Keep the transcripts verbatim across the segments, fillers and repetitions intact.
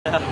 ครับ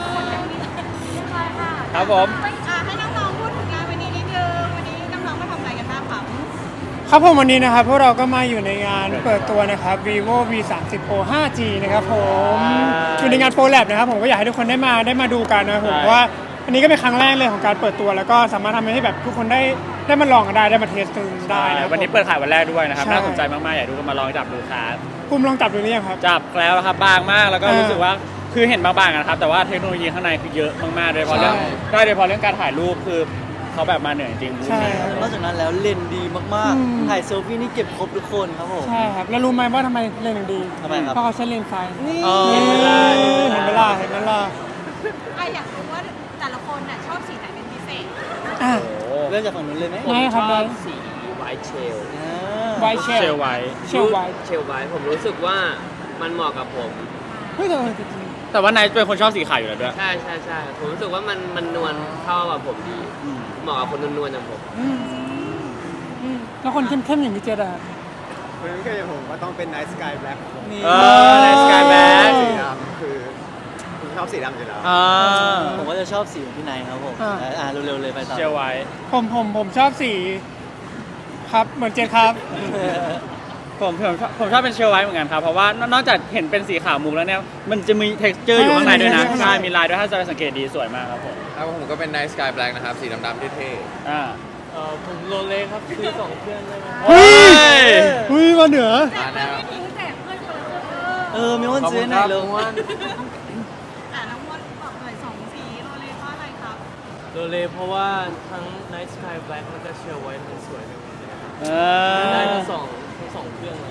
ครับผมอ่าให้น้องๆพูดถึงงานวันนี้นิดนึงวันนี้น้องๆมาทำอะไรกันบ้างครับครับผมวันนี้นะครับพวกเราก็มาอยู่ในงานเปิดตัวนะครับ vivo วี สามสิบ Pro ไฟว์จี นะครับผมอยู่ในงาน Pro Lab นะครับผมก็อยากให้ทุกคนได้มาได้มาดูกันนะครับผมเพราะว่าอันนี้ก็เป็นครั้งแรกเลยของการเปิดตัวแล้วก็สามารถทำให้แบบทุกคนได้ได้มาลองกันได้ได้มาเทสกันได้นะครับวันนี้เปิดขายวันแรกด้วยนะครับใช่น่าสนใจมากๆอยากดูกันมาลองจับดูครับภูมิลองจับดูหรือยังครับจับแล้วครับบางมากแล้วก็เออรู้สึกว่าคือเห็นบางๆนะครับแต่ว่าเทคโนโลยีข้างในคือเยอะมากๆโดยเฉพาะเรื่องใช่ได้โดยเฉพาะเรื่องการถ่ายรูปคือเขาแบบมาเหนือจริงๆใช่นอกจากนั้นแล้วเลนส์ดีมากอืมๆ ถ่ายเซลฟี่นี่เก็บครบทุกคนครับผมใช่ครับแล้วรู้ไหมว่าทำไมเลนส์ถึงดีทำไมครับเพราะเขาใช้เลนส์ไฟนี่อ๋อเห็นไหมล่ะเห็นไหมล่ะเห็นไหมล่ะอ่ะอยากรู้ว่าแต่ละคนน่ะชอบสีไหนเป็นพิเศษอ่ะโอ้เริ่มจากฝั่งนู้นเลยไหมได้ครับได้สีไวท์เชลอ่าไวท์เชลเชลไว้เชลไวท์เชลไวท์ผมรู้สึกว่ามันเหมาะกับผมเฮ้ยแต่เออจริงแต่ว่านายเป็นคนชอบสีขาวอยู่แล้วด้วยใช่ใช่ใช่ผมรู้สึกว่ามันมันนวลเข้ากับผมดี เหมาะกับคนนวลๆอย่างผมอืมอืมแล้วคนเข้มๆอย่างพี่เจษอะคนนี้ก็อย่างผมก็ต้องเป็น Night Sky Black ครับผมนี่เออในสกายแบ็คสีดำคือผมชอบสีดำอยู่แล้วอ่าผมก็จะชอบสีของพี่ไนท์ครับผมอ่าอ่าเร็วๆเลยไปต่อเชลไว้ผมผมผมชอบสีครับเหมือนเจษครับผมผมผมชอบเป็นเชลไว้เหมือนกันครับเพราะว่านอกจากเห็นเป็นสีขาวมุกแล้วเนี่ยมันจะมี texture อยู่ข้างในด้วยนะใช่ใช่มีลายด้วยถ้าจะสังเกตดีสวยมากครับผมแล้วผมก็เป็น Night Sky Black นะครับ สีดำๆเท่อ่าเออผมโรเล่ครับซื้อสองเครื่องได้ไหมเฮ้ยเฮ้ยมาเหนือแจกเพื่อนไม่ทิ้งแจกเพื่อนคนละคนเอเอออมีวันซื้อหน่อยเร็วอ่ะน้องมดบอกหน่อยสองสีโรเลเพราะอะไรครับโรเลเพราะว่าทั้ง Night Sky Black แล้วก็ Chill White มันสวยไปหมดเลยครับเอได้อทั้งสองทั้งสองเครื่องเลย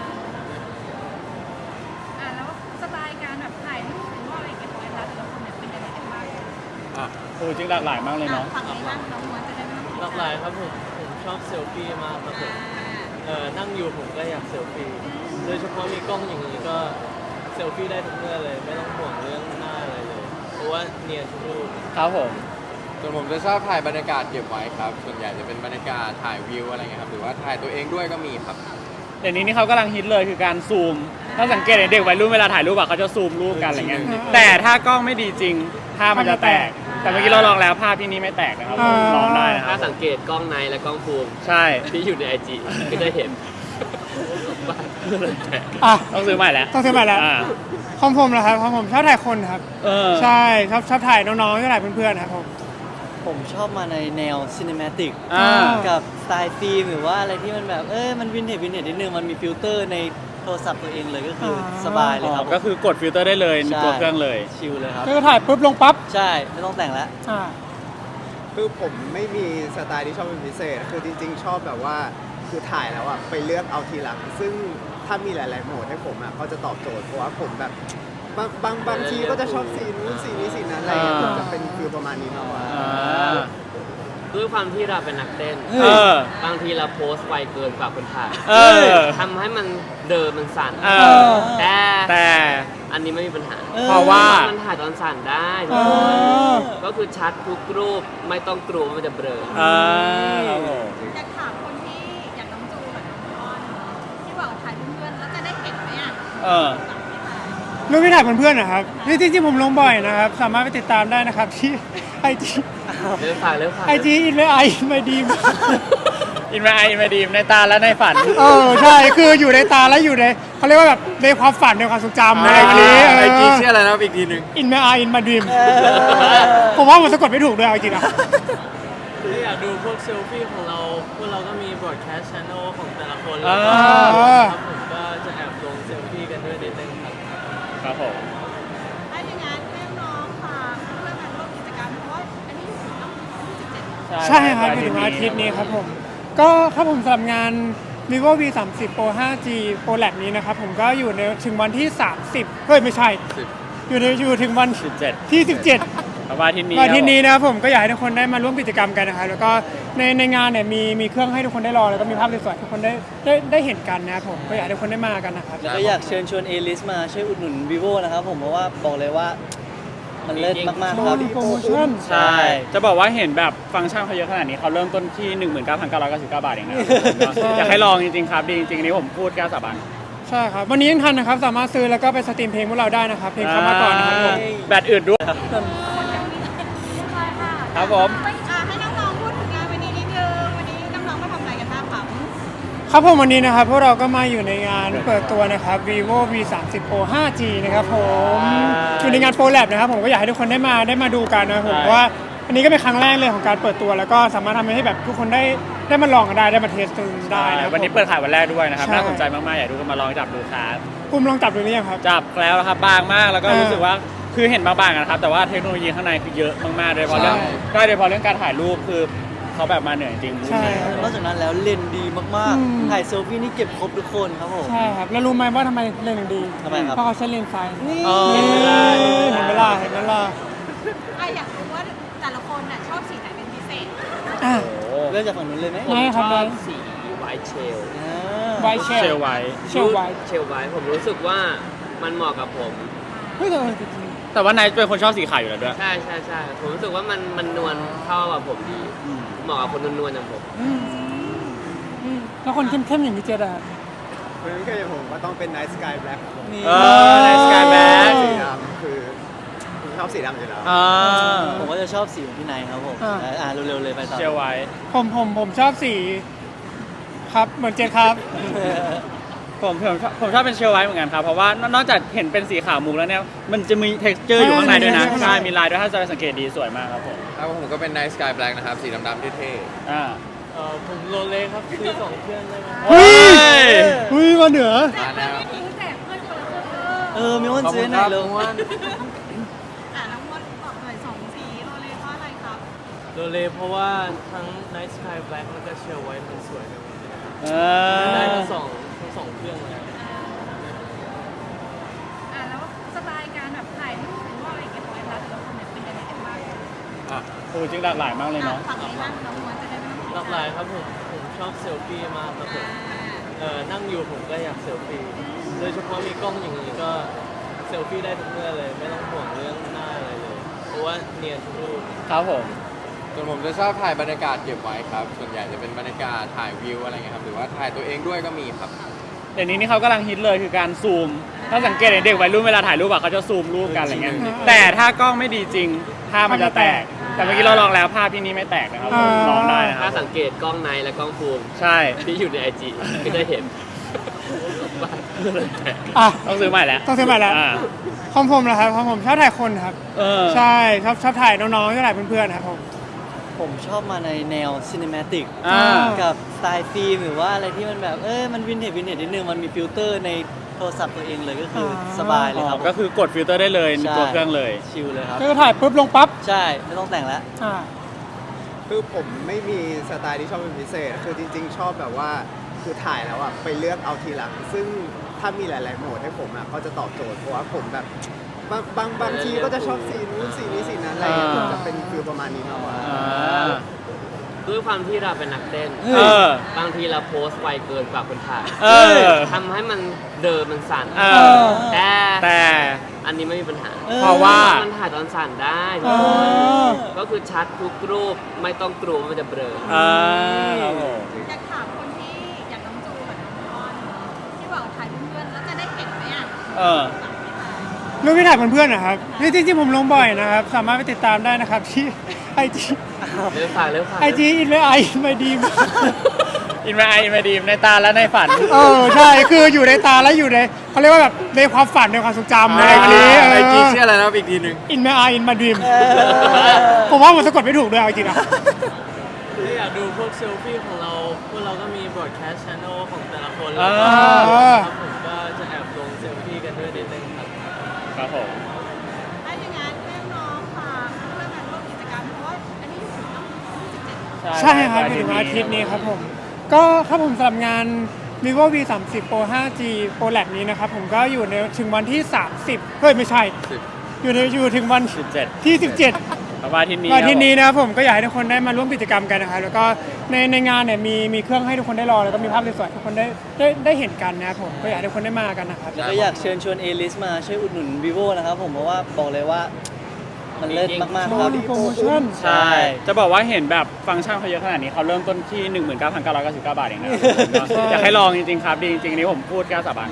อ่ะแล้วสไตล์การแบบถ่ายรูปหรือว่าอะไรเก็บไว้แต่ละคนเนี่ยเป็นยังไงกันบ้างโอ้จริงหลากหลายมากเลยอ่ะเนาะฝั่งนี้บ้างน้องมดจะได้ไม่ต้องหลากหลายครับผมผมชอบเซลฟี่มากครับผมอ่าเออนั่งอยู่ผมก็อยากเซลฟี่โดยเฉพาะมีกล้องอย่างนี้ก็เซลฟี่ได้ทุกเมื่อเลย ไม่ต้องห่วงเรื่องหน้าอะไรเลย เพราะว่าเนียนทุกรูปครับผมๆส่วนผมจะชอบถ่ายบรรยากาศเก็บไว้ครับ ส่วนใหญ่จะเป็นบรรยากาศถ่ายวิวอะไรเงี้ยครับ หรือว่าถ่ายตัวเองด้วยก็มีครับเดี๋ยวนี้นี่เขากำลังฮิตเลยคือการซูม ถ้าสังเกตเห็นเด็กวัยรุ่นเวลาถ่ายรูปอะเขาจะซูมรูปกันอะไรเงี้ย แต่ถ้ากล้องไม่ดีจริงภาพมันจะแตก แต่เมื่อกี้เราลองแล้วภาพที่นี่ไม่แตกนะครับอ่าลองได้นะคถ้ารับสังเกตกล้องในและกล้องฟูมใช่ที่อยู่ในไอจีก็จะเห็นอ่ะต้องซื้อใหม่แล้วต้องซื้อใหม่แล้วาของผมเหรอครับของผมชอบถ่ายคนครับเออใช่ชอบชอบถ่ายน้องๆชอบถ่ายเพื่อนๆครับผมผมชอบมาในแนวซินิมาติกอ่ากับสไตล์ฟิล์มหรือว่าอะไรที่มันแบบเออมันวินเทจวินเทจนิดนึงมันมีฟิลเตอร์ในโทรศัพท์ตัวเองเลยก็คือสบายเลยครับก็คือกดฟิลเตอร์ได้เลยในใช่ตัวเครื่องเลยชิลเลยครับก็ถ่ายปุ๊บลงปั๊บใช่ไม่ต้องแต่งแล้วอ่าคือผมไม่มีสไตล์ที่ชอบเป็นพิเศษ คือจริงๆ ชอบแบบว่า คือถ่ายแล้วอ่ะไปเลือกเอาทีหลัง ซึ่งถ้ามีหลายๆโหมดให้ผมอ่ะก็จะตอบโจทย์ เพราะว่าผมแบบบางบางบางทีก็จะชอบสีนู้นสีนี้สีนั้นอะไรอย่างเงี้ยอ่าผมจะเป็นฟิลประมาณนี้มากกว่าอ่าด้วยความที่เราเป็นนักเต้นเออบางทีเราโพสต์ไวเกินกว่าคนถ่ายเออทำให้มันเดินมันสั่นเออแต่แต่อันนี้ไม่มีปัญหาเพราะว่ามันถ่ายตอนสั่นได้ทุอ๋กอคนก็คือชัดทุกรูปไม่ต้องกลัวว่ามันจะเบลออ่าครับผมอยากถามคนที่อยากน้องจูกับน้องอ้อนที่บอกถ่ายเพื่อนๆแล้วจะได้เห็นไหมอ่ะเออรูปที่ถ่ายเพื่อนๆนะครับนี่จริงๆผมลงบ่อยนะครับ สามารถไปติดตามได้นะครับที่ไอจีเริ่มฝากเริ่มฝากไอจีอินไอไม่ดีมอินมาไออินมาดีมในตาและในฝันเออใช่คืออยู่ในตาและอยู่ในเขาเรียกว่าแบบในความฝันในความทรงจำอะไรแบบนี้ไอจีชื่ออะไรนะอีกทีหนึ่งอินไม่ไออินมาดีมผมว่ามันสะกดไม่ถูกด้วยเอาจริงๆนะถ้าอยากดูพวกเซลฟี่ของเรา พวกเราก็มี broadcast channel ของแต่ละคนอ่าครับผมก็จะแอบลงเซลฟี่กันด้วยนิดนึงครับครับผมถ้าอย่างนั้นให้น้องฝากเรื่องการร่วมกิจกรรมเพราะว่าอันนี้อยู่ถึงวันที่สิบเจ็ดใช่ครับถึงวันอาทิตย์นี้ครับผม ก็ครับผมสำหรับงาน vivo วี สามสิบ Pro ไฟว์จี Pro Lab นี้นะครับผมก็อยู่ในถึงวันที่ สามสิบเฮ้ยไม่ใช่ อยู่ในอยู่ถึงวันสิบเจ็ดที่ สิบเจ็ดวันอาทิตย์นี้วันอาทิตย์นี้นะครับผมก็อยากให้ทุกคนได้มาร่วมกิจกรรมกันนะครับแล้วก็ในในงานเนี่ยมีมีเครื่องให้ทุกคนได้รอแล้วก็มีภาพสวยๆให้ทุกคนได้ได้ได้เห็นกันนะครับผมก็อยากให้ทุกคนได้มากันนะครับแล้วก็อยากเชิญชวนเอลิสมาช่วยอุดหนุน vivo นะครับผมเพราะว่าบอกเลยว่ามันเลิศมากๆครับโปรโมชั่นใช่ จะบอกว่าเห็นแบบฟังก์ชันเขาเยอะขนาดนี้เขาเริ่มต้นที่ หนึ่งหมื่นเก้าพันเก้าร้อยเก้าสิบเก้า บาทเองนะอยากให้ลองจริงๆครับดีจริงๆอันนี้ผมพูดกล้าสาบานใช่ครับวันนี้ยังทันนะครับสามารถซื้อแล้วก็ไปสตรีมเพลงพวกเราได้นะครับเพลงเข้ามาก่อนนะครับผมแบตอื่นด้วย ครับผมอ่ะให้น้องๆพูดถึงงานวันนี้นิดนึงวันนี้น้องๆมาทำอะไรกันบ้างคะครับผมวันนี้นะครับพวกเราก็มาอยู่ในงานเปิดตัวนะครับ vivo วี สามสิบ โปร ไฟว์ จี นะครับผมอยู่ในงาน Pro Lab นะครับผมก็อยากให้ทุกคนได้มาได้มาดูกันนะครับผมเพราะว่าอันนี้ก็เป็นครั้งแรกเลยของการเปิดตัวแล้วก็สามารถทำให้แบบทุกคนได้ได้มาลองกันได้ได้มาเทสกันได้นะครับวันนี้เปิดขายวันแรกด้วยนะครับใช่น่าสนใจมากๆอยากให้ทุกคนมาลองจับดูครับปุ่มลองจับดูหรือยังครับจับแล้วนะครับบางมากแล้วก็อ่ารู้รู้สึกว่าคือเห็นบางๆนะครับแต่ว่าเทคโนโลยีข้างในคือเยอะมากๆโดยเฉพาะเรื่องใช่ก็โดยเฉพาะเรื่องการถ่ายรูปคือเขาแบบมาเหนื่อยจริงใช่นอกจากนั้นแล้วเลนส์ดีมากอืมๆ ถ่ายเซลฟี่นี่เก็บครบทุกคนครับผมใช่ครับแล้วรู้ไหมว่าทำไมเลนส์ถึงดีทำไมครับเพราะเขาใช้เลนส์ไฟนี่อ๋อเห็นไหมล่ะเห็นไหมล่ะอ่ะอยากรู้ว่าแต่ละคนน่ะชอบสีไหนเป็นพิเศษอ่ะโอ้เริ่มจากฝั่งนู้นเลยไหมไม่ครับชอบสีไวท์เชลอ่าไวท์เชลเชลไว้เชลไวท์เชลไวท์ผมรู้สึกว่ามันเหมาะกับผมเฮ้ยแต่เออจริงแต่ว่านายเป็นคนชอบสีขาวอยู่แล้วด้วยใช่ใช่ใช่ผมรู้สึกว่ามันมันนวลเข้ากับผมดีเหมาะกับคนนวลๆอย่างผมๆอืมอืมแล้วคนเข้มๆอย่างพี่เจดอะเพราะฉะนั้นก็อย่างผมก็ต้องเป็น Night Sky Black ครับผมนี่เออในสกายแบ็คสีดำคือผมชอบสีดำอยู่แล้วอ่าผมก็จะชอบสีของพี่ไนท์ครับผมอ่าอ่าเร็วๆเลยไปต่อเชลไว้ผมผมผมชอบสีครับเหมือนเจดครับผมผมชอบผมชอบเป็นเชลไว้เหมือนกันครับเพราะว่านอกจากเห็นเป็นสีขาวมุกแล้วเนี่ยมันจะมี เท็กซ์เจอร์ อยู่ข้างในด้วยนะใช่ใช่มีลายด้วยถ้าจะสังเกตดีสวยมากครับผมครับผมก็เป็น Night Sky Black นะครับ สีดำๆเท่อ่าเออผมโรเล็กครับซื้อสองเครื่องได้ไหมเฮ้ยเฮ้ยมาเหนือๆมาแล้วไม่ทิ้งแจกเพื่อนคนละเครื่องเออมีวันซื้อไหนเลยอ่ะน้องมดบอกหน่อยสองสีโรเลเพราะอะไรครับโรเล็กเพราะว่าทั้ง Night Sky Black แล้วก็เชลไวท์มันสวยไปหมดเลยเอได้อทั้งสองทั้งสองเครื่องเลยอ่ะแล้วสไตล์การแบบถ่ายรูปหรือว่าอะไรเงี้ยของไอ้รัฐแต่ละคนเนี่ยเป็นยังไงกันบ้างอ่ะโอ้จริงหลากหลายมากเลยอ่ะเนาะฝั่งนี้บ้างน้องมดจะได้ไม่ต้องหลากหลายครับผมผมชอบเซลฟี่มากครับผมอ่าเออนั่งอยู่ผมก็อยากเซลฟี่โดยเฉพาะมีกล้องอย่างนี้ก็เซลฟี่ได้ทุกเมื่อเลย ไม่ต้องห่วงเรื่องหน้าอะไรเลย เพราะว่าเนียนทุกรูปครับผมส่วนผมจะชอบถ่ายบรรยากาศเก็บไว้ครับ ส่วนใหญ่จะเป็นบรรยากาศถ่ายวิวอะไรเงี้ยครับ หรือว่าถ่ายตัวเองด้วยก็มีครับเดี๋ยวนี้นี่เขากำลังฮิตเลยคือการซูม ถ้าสังเกตเห็นเด็กวัยรุ่นเวลาถ่ายรูปอะเขาจะซูมรูปกันอะไรเงี้ยอืมแต่ถ้ากล้องไม่ดีจริงภาพมันจะแตก แต่เมื่อกี้เราลองแล้วภาพที่นี่ไม่แตกนะครับอ่าลองได้นะคถ้ารับสังเกตกล้องในและกล้องฟูมใช่ที่อยู่ในไอจีก็จะเห็นอ่ะต้องซื้อใหม่แล้วต้องซื้อใหม่แล้วาของผมนะครับของผมชอบถ่ายคนครับเออใช่ชอบชอบถ่ายน้องๆชอบถ่ายเพื่อนๆครับผมผมชอบมาในแนวซิน e มาติกอ่ากับสไตล์ฟิล์มหรือว่าอะไรที่มันแบบเอ้ยมันวินเทจวินเทจนิดนึงมันมีฟิลเตอร์ในโทรศัพท์ตัวเองเลยก็คือสบายเลยครับก็คือกดฟิลเตอร์ได้เลยในใช่ตัวเครื่องเลยชิลเลยครับก็ถ่ายปุ๊บลงปั๊บใช่ไม่ต้องแต่งแล้วอ่าคือผมไม่มีสไตล์ที่ชอบเป็นพิเศษ คือจริง ๆ ชอบแบบว่าคือถ่ายแล้วอ่ะไปเลือกเอาทีหลัง ซึ่งถ้ามีหลาย ๆ โหมดให้ผมอ่ะก็จะตอบโจทย์เพราะว่าผมแบบบางบางบางทีก็จะชอบสีนู้นสีนี้สีนั้นอะไรอย่างเงี้ยอ่าผมจะเป็นฟิลประมาณนี้มากกว่าอ่าด้วยความที่เราเป็นนักเต้นเออบางทีเราโพสต์ไวเกินกว่าคนถ่ายเออทำให้มันเดินมันสั่นเออแต่แต่อันนี้ไม่มีปัญหาเพราะว่ามันถ่ายตอนสั่นได้อ๋อก็คือชัดทุกรูปไม่ต้องกลัวว่ามันจะเบลออ่าครับผมอยากถามคนที่อยากน้องจูกับน้องมอนที่บอกถ่ายเพื่อนๆแล้วจะได้เห็นไหมอ่ะเออรูปที่ถ่ายเพื่อนๆนะครับนี่จริงๆผมลงบ่อยนะครับ สามารถไปติดตามได้นะครับที่ไอจีเร็วฝากเร็วฝากไอจีอินไมไอไมดีมอินมาไออินมาดีมในตาและในฝันเออใช่คืออยู่ในตาและอยู่ในเขาเรียกว่าแบบในความฝันในความทรงจำอะไรแบบนี้ไอจีชื่ออะไรนะครับอีกทีหนึ่งอินไมไออินมาดีมผมว่ามันสะกดไม่ถูกด้วยเอาจริงๆนะถ้าอยากดูพวกเซลฟี่ของเรา พวกเราก็มีบอ a แคส t ์ channel ของแต่ละคน แล้วก็อ่าครับผมก็จะแอบลงเซลฟี่กันด้วยนิดนึงครับครับผมถ้าอย่างนั้นให้น้องฝากเรื่องการร่วมกิจกรรมเพราะว่าอันนี้อยู่ถึงต้องยี่สิบเจ็ดใช่ครับอยู่ถึงวันอาทิตย์นี้ครับผม ก็ครับผมสำหรับงาน vivo วี สามสิบ pro ไฟว์ จี pro lab นี้นะครับผมก็อยู่ในถึงวันที่ สามสิบเฮ้ยไม่ใช่ อยู่ในอยู่ถึงวันสิบเจ็ดที่ สิบเจ็ดประมาณอาที่นี้วันอาที่นี้นะครับผมก็อยากให้ทุกคนได้มาร่วมกิจกรรมกันนะครับแล้วก็ในในงานเนี่ยมีมีเครื่องให้ทุกคนได้รอแล้วก็มีภาพสวยๆให้ทุกคนได้ได้ได้เห็นกันนะครับผมก็อยากให้ทุกคนได้มากันนะครับแล้วก็อยากเชิญชวนเอลิสมาช่วยอุดหนุน vivo นะครับผมเพราะว่าบอกเลยว่ามันเลิศมากๆครับโปรโมชั่นใช่ จะบอกว่าเห็นแบบฟังก์ชันเขาเยอะขนาดนี้เขาเริ่มต้นที่ หนึ่งหมื่นเก้าพันเก้าร้อยเก้าสิบเก้า บาทเองนะใช่อยากให้ลองจริงๆครับ ดีจริงๆอันนี้ผมพูดกล้าสาบาน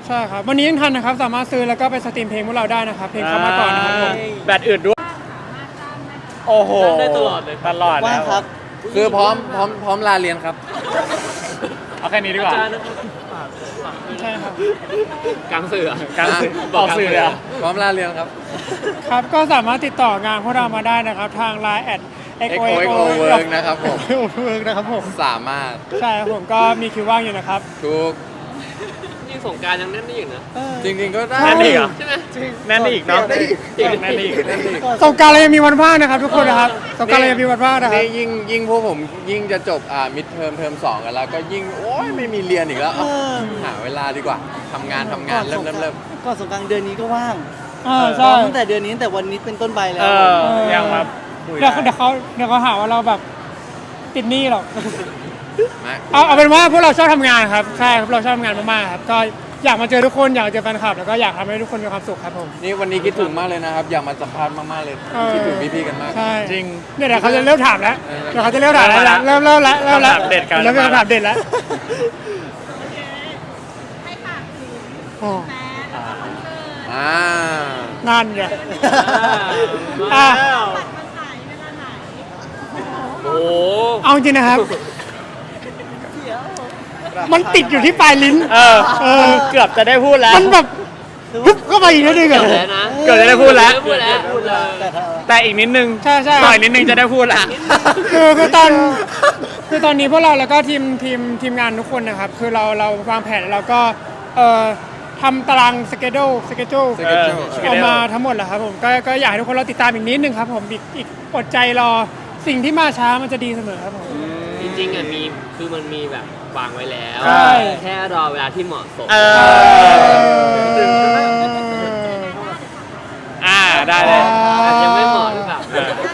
ใช่ครับ วันนี้ยังทันนะครับ สามารถซื้อแล้วก็ไปสตรีมเพลงพวกเราได้นะครับ เพลงเข้ามาก่อนนะครับผมแบตอื่นด้วย โอ้โหได้ตลอดเลยตลอดว่าแล้วงครับคือพร้อมพร้อมพร้อมลาเรียนครับเอาแค่นี้ดีกว่าอาจารย์นะครับฝากฝากด้วยใช่ครับกลางสื่ออะการสื่อออกสื่อเลยอะพร้อมลาเรียนครับครับ ก็สามารถติดต่องานพวกเรามาได้นะครับ ทาง ไลน์ แอดเอ็กโอเอ็กโอเวิร์กนะครับผมเวิร์กนะครับผมสามารถใช่ครับผมก็มีคิวว่างอยู่นะครับทุกนี่สงกรารยังแน่นได้อยู่นะจริงๆก็ได้แน่นอีกเหรอใช่ไหมแน่นอีกเนาะแน่นอีกแน่นอีกสงกรารเรายังมีวันว่างนะครับทุกคนนะครับสงกรารเรายังมีวันว่างนะครับนี่ยิ่งยิ่งพวกผมยิ่งจะจบอ่ามิดเทอมเทอมสองกันแล้ว ก็ยิ่งโอ้ยไม่มีเรียนอีกแล้วเอาเออหาเวลาดีกว่าทำงานทำงานเริ่มเริ่มเริ่มก่อนสงกรานต์เดือนนี้ก็ว่างเออใช่ตั้งแต่เดือนนี้ตั้งแต่วันนี้เป็นต้นไปแล้เอวอยังแบบคุยเดี๋ยวได้เดี๋ยวเขาเดี๋ยวเขาหาว่าเราแบบติดหนี้หรอกมาเอาเอาเป็นว่าพวกเราชอบทำงานครับใช่ครับเราชอบทำงานมากๆครับก็อยากมาเจอทุกคนอยากเจอแฟนคลับแล้วก็อยากทำให้ทุกคนมีความสุขครับผมนี่วันนี้คิดถึงมากเลยนะครับ อยากมาสัมภาษณ์มากๆเลยเออคิดถึงพี่ๆกันมากใช่จริงเนี่ยเดี๋ยวเขาจะเริ่มถามแล้วเออเดี๋ยวเขาจะเริ่มถามแล้วเริ่มเริ่มแล้วเริ่มแล้วคำถามเด็ดกันเริ่มเป็นคำถามเด็ดแล้วให้ฝากถึงโอ้แฟนแล้วก็คอนเสิร์ตอ่านั่นไงอ่าอ่ะบัตรมันขายเวลาไหนโอ้โหเอาจริงนะครับ มันติดอยู่ที่ปลายลิ้นเออเออเกือบจะได้พูดแล้วมันแบบปุ๊บก็ไปอีกนิดนึงอะเกือบแล้วนะเกือบจะได้พูดแล้วพูดแล้วพูดแล้วแต่อีกนิดนึงใช่ใช่ต่อยนิดนึงจะได้พูดละคือคือตอนคือตอนนี้พวกเราแล้วก็ทีมทีมทีมงานทุกคนนะครับ คือเราเราวางแผนแล้วเราก็เอ่อทำตารางสเกจโดสเกจโด schedule ออกมาทั้งหมดแล้วครับผมก็ก็อยากให้ทุกคนเราติดตามอีกนิดนึงครับผมอีกอีกอดใจรอสิ่งที่มาช้ามันจะดีเสมอครับผมจริงๆอ่ะมีคือมันมีแบบวางไว้แล้วใช่แค่รอเวลาที่เหมาะสมเออ อ่า ได้เลยอาจจะไม่เหมาะหรือเปล่า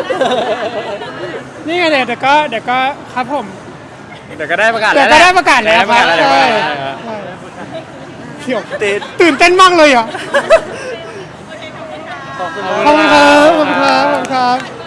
นี่ไงเดี๋ยวเดี๋ยวก็เดี๋ยวก็ครับผมเดี๋ยวก็ได้ประกาศเดี๋แล้ยว วแหก็ละได้ประกาศแล้วครับเดี๋ยวก็ได้ประกาศใช่แล้วใช่เที่ยวตื่นเต้นมากเลยอ่ะโอเคขอบคุณค่ะขอบคุณขอบคุณครับขอบคุณครับขอบคุณครับ